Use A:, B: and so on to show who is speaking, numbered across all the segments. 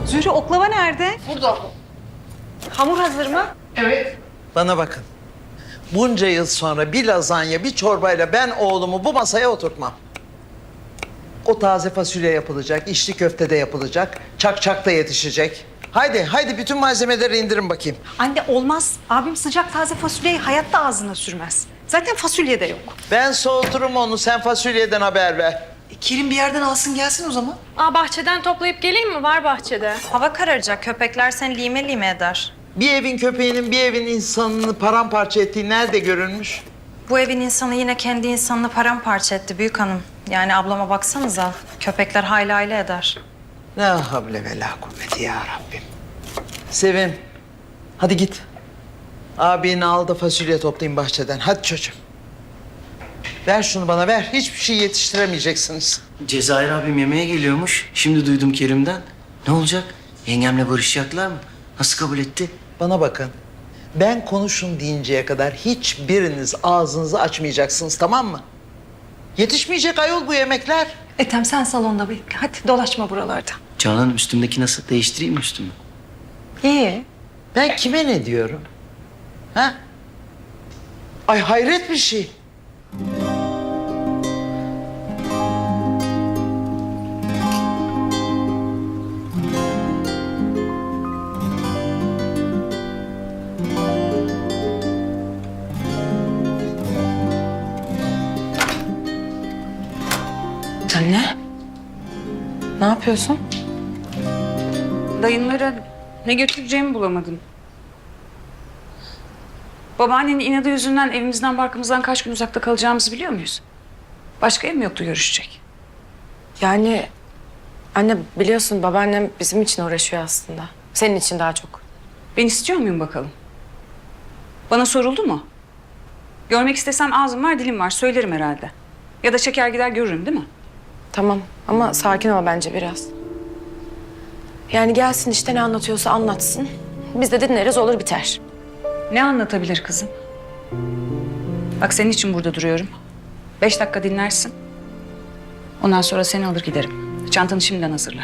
A: Zühre oklava nerede?
B: Burada.
A: Hamur hazır mı?
B: Evet.
C: Bana bakın. Bunca yıl sonra bir lazanya, bir çorbayla ben oğlumu bu masaya oturtmam. O taze fasulye yapılacak, içli köfte de yapılacak, çak da yetişecek. Haydi bütün malzemeleri indirin bakayım.
A: Anne olmaz. Abim sıcak taze fasulyeyi hayatta ağzına sürmez. Zaten fasulye de yok.
C: Ben soğuturum onu, sen fasulyeden haber ver.
B: Kerim bir yerden alsın gelsin o zaman.
D: Bahçeden toplayıp geleyim mi? Var bahçede.
E: Hava kararacak. Köpekler seni lime lime eder.
C: Bir evin köpeğinin bir evin insanını paramparça ettiği nerede görülmüş?
E: Bu evin insanı yine kendi insanını paramparça etti büyük hanım. Yani ablama baksanıza. Köpekler hayli hayli eder.
C: La havle ve la kuvveti ya Rabbim. Sevim, hadi git. Abini al da fasulye toplayın bahçeden. Hadi çocuğum. Ver şunu bana, ver. Hiçbir şey yetiştiremeyeceksiniz.
F: Cezayir abim yemeğe geliyormuş. Şimdi duydum Kerim'den. Ne olacak? Yengemle barışacaklar mı? Nasıl kabul etti?
C: Bana bakın. Ben konuşun deyinceye kadar hiçbiriniz ağzınızı açmayacaksınız, tamam mı? Yetişmeyecek ayol bu yemekler.
A: Ethem sen salonda bekle. Hadi dolaşma buralarda.
F: Canan üstümdeki nasıl? Değiştireyim mi üstümü?
A: İyi.
C: Ben kime ne diyorum? Ha? Ay hayret bir şey.
E: Anne. Ne yapıyorsun?
G: Dayınlara ne götüreceğimi bulamadım. Babaannenin inadı yüzünden evimizden barkımızdan kaç gün uzakta kalacağımızı biliyor muyuz? Başka ev mi yoktu görüşecek?
H: Yani anne biliyorsun babaannem bizim için uğraşıyor aslında. Senin için daha çok.
G: Ben istiyor muyum bakalım? Bana soruldu mu? Görmek istesem ağzım var dilim var söylerim herhalde. Ya da çeker gider görürüm değil mi?
H: Tamam ama sakin ol bence biraz. Yani gelsin işte ne anlatıyorsa anlatsın. Biz de dinleriz olur biter.
G: Ne anlatabilir kızım? Bak senin için burada duruyorum. 5 dakika dinlersin. Ondan sonra seni alır giderim. Çantanı şimdiden hazırla.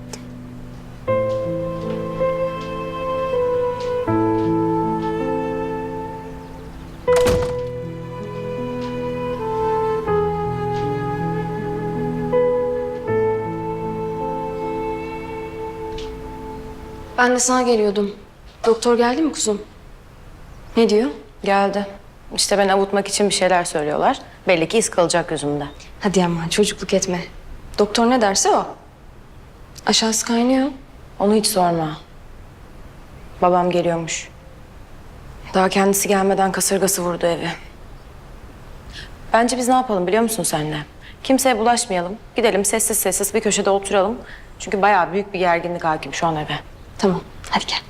H: Ben de sana geliyordum. Doktor geldi mi kuzum? Ne diyor? Geldi. İşte ben avutmak için bir şeyler söylüyorlar. Belli ki iz kalacak yüzümde. Hadi aman çocukluk etme. Doktor ne derse o. Aşağısı kaynıyor. Onu hiç sorma. Babam geliyormuş. Daha kendisi gelmeden kasırgası vurdu evi. Bence biz ne yapalım biliyor musun senle? Kimseye bulaşmayalım. Gidelim sessiz sessiz bir köşede oturalım. Çünkü bayağı büyük bir gerginlik hakim şu an eve. Tamam, hadi gel.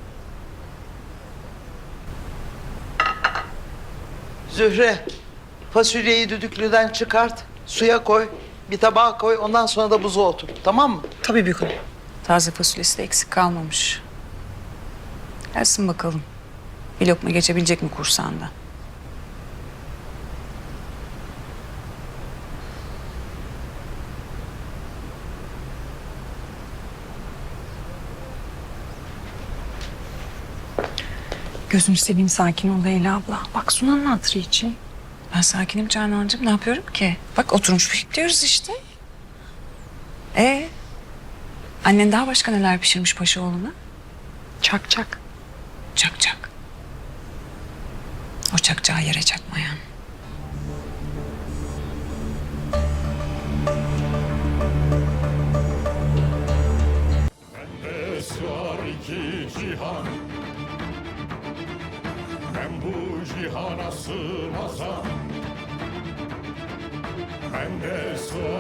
C: Zühre, fasulyeyi düdüklüden çıkart, suya koy, bir tabağa koy, ondan sonra da buza otur, tamam mı?
B: Tabii büyük hanım.
G: Taze fasulyesi de eksik kalmamış. Gelsin bakalım. Bir lokma geçebilecek mi kursağında?
A: Gözünü seveyim sakin ol Leyla abla. Bak Sunan'ın hatırı için.
G: Ben sakinim Canancığım. Ne yapıyorum ki? Bak oturmuş bekliyoruz işte. Annen daha başka neler pişirmiş paşa oğluna?
A: Çak çak.
G: Çak çak. O çakcağı yere çakmayan.
I: Bende sığar iki cihan, ben bu cihana sığmazam. Bende sığar